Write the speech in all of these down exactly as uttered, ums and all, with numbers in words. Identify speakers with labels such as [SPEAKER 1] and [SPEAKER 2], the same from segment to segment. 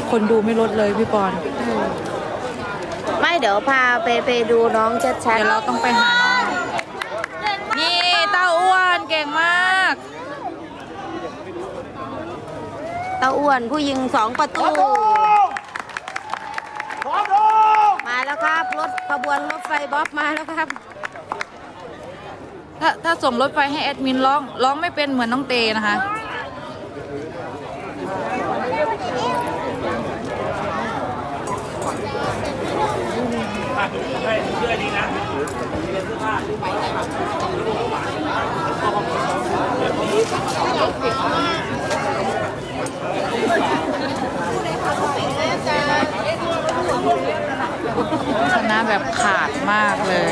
[SPEAKER 1] คนดูไม่ลดเลยพี่ปอน
[SPEAKER 2] ไม่เดี๋ยวพาไปไปดูน้องชัดๆ
[SPEAKER 1] เดี๋ยวเราต้องไปหาน้องนี่เต้าอ้วนเก่งมาก
[SPEAKER 2] เต้าอ้วนผู้ยิงสองประตูมาแล้วครับรถขบวนรถไฟบ๊อบมาแล้วครับ
[SPEAKER 1] ถ้าถ้าส่งรถไฟให้แอดมินร้องร้องไม่เป็นเหมือนน้องเตนะคะชนะแบบขาดมากเลย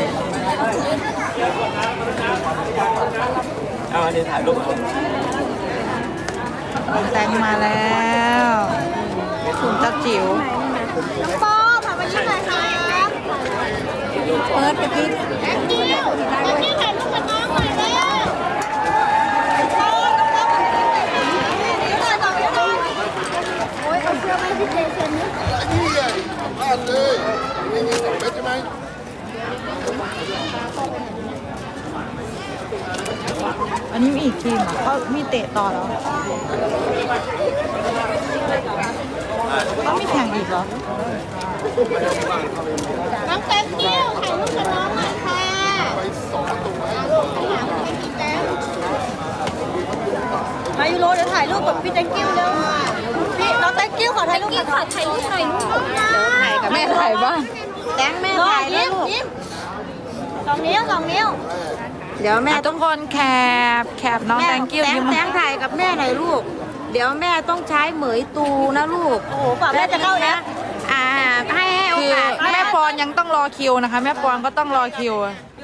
[SPEAKER 3] เอาอันนี้ถ่ายรูป
[SPEAKER 1] แต่งมาแล้วคุณเจ้าจิ๋ว
[SPEAKER 2] น้องปอผ่านมายิ่งเลยค่ะ
[SPEAKER 1] เปิดไปพี่
[SPEAKER 2] แองกิ้วแองกิ้วถ่ายรูปกับน้องหน่อยเลยโอ้ยเอาเสื้อมาให้พี่เจเซ็นนี่
[SPEAKER 4] นี่ไงพลาดเลยไม่มีสองเม็ดใช่ไหม
[SPEAKER 1] อันนี้มีอีกทีมอ่ะเขามีเตะต่อแล้วเขามีแข่งอีกเหรอ
[SPEAKER 2] น้องแตงกิ้วถ่ายรูปกับน้องหน่อยค่ะ
[SPEAKER 4] ไปสองตัวให้
[SPEAKER 2] มายูโรเดี๋ยวถ่ายรูปกับพี่แตงกิ้วเร็วพี่น้องแตงกิ้วขอถ่ายรูปกับน้องถ่ายรูปถ่ายรูปถ่ายกับ
[SPEAKER 1] แม่ถ่ายบ้าง
[SPEAKER 2] แตงแม่ถ่ายแล้วลูกสองนิ้วสองนิ้วเดี๋ยวแม่
[SPEAKER 1] ทุกคนแคบแคบน้องแตงกิ้วยิ้ม
[SPEAKER 2] แตงถ่ายกับแม่หน่อยลูกเดี๋ยวแม่ต้องใช้เหมยตูนะลูกโอ้โหป่าแม่จะเข้าแล้วอ่าให้ให้โอกาส
[SPEAKER 1] แม่ปอนยังต้องรอคิวนะคะแม่ปอนก็ต้องรอคิว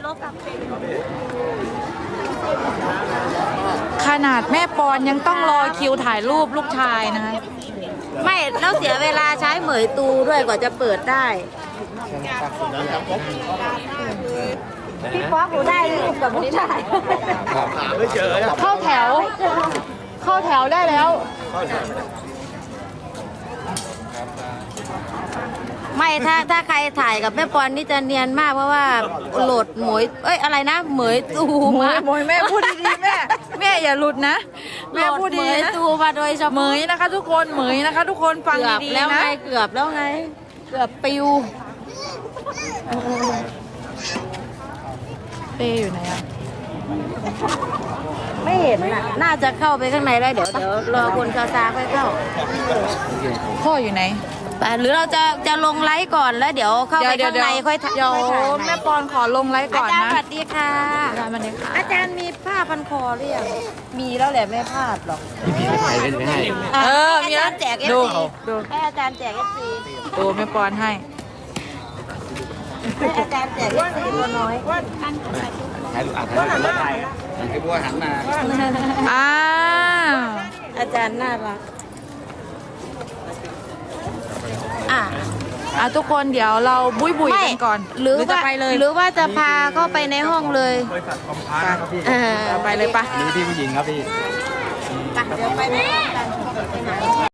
[SPEAKER 1] ขนาดแม่ปอนยังต้องรอคิวถ่ายรูปลูกชายนะคะ
[SPEAKER 2] ไม่แล้วเสียเวลาใช้เหมยตูด้วยกว่าจะเปิดได้พี่ป๊อกหนูได้รูปกับลูกชาย
[SPEAKER 4] ไม่เจอ
[SPEAKER 1] เข้าแถวเข้าแถวได้แล้ว
[SPEAKER 2] ไม่ถ้าถ้าใครถ่ายกับแม่ปอนนี่จะเนียนมากเพราะว่าโหลดหมวยเอ้ยอะไรนะเหมยตู
[SPEAKER 1] มาเหมยแม่พูดดีๆแม่แม่อย่าหลุดนะแม่พูดดีนะ
[SPEAKER 2] ตูมาโดยเฉพาะ
[SPEAKER 1] เหมยนะคะทุกคนเหมยนะคะทุกคนฟังดีๆนะ
[SPEAKER 2] แล้วไงเกือบแล้วไงเกือบปิว
[SPEAKER 1] เป้อยู่ไหนอ่ะ
[SPEAKER 2] ไม่เห็นน่ะน่าจะเข้าไปข้างในแล้วเดี๋ยวเดี๋ยวรอคนซาซาค่อยเข้า
[SPEAKER 1] พ่ออยู่ไหน
[SPEAKER 2] แต่หรือเราจะจะลงไลฟ์ก่อนแล้วเดี๋ยวเข้าไปข้างในค่อยถ่าย
[SPEAKER 1] เดี๋ยวแม่ปอนขอลงไลฟ์ก่อนนะ
[SPEAKER 2] อาจารย์สวัสดีค่ะ
[SPEAKER 1] อาจารย์สวัสดีค่ะ
[SPEAKER 2] อาจารย์มีผ้าพันคอหรือยังมีแล้วแหละไม่พลาดหรอก
[SPEAKER 3] พี่พี่ถ่ายเป็นไม่ให้
[SPEAKER 1] เออ
[SPEAKER 2] มีอาจารย์แจกเอฟซีให้อาจารย์แจกเอฟซี
[SPEAKER 1] ดูแม่ปอนให้
[SPEAKER 2] ให้อาจารย์แจกเอฟซีตัวน้อย
[SPEAKER 3] ถ่ายรูปอ่ะถ่ายรูปถ่ายให้บัวหันมา
[SPEAKER 1] อ้าว
[SPEAKER 2] อาจารย์น่ารักอ่ะ
[SPEAKER 1] อ่ะทุกคนเดี๋ยวเราบุยบุยกันก่อน
[SPEAKER 2] หรือว่าหรือว่าจะพาเข้าไปในห้องเลย
[SPEAKER 3] บริษัทคอมพาร์ครับพี่
[SPEAKER 1] ไปเลยปะ
[SPEAKER 3] นี่พี่ผู้หญิงครับพี่
[SPEAKER 2] ไปเดี๋ยวไปในห้องกัน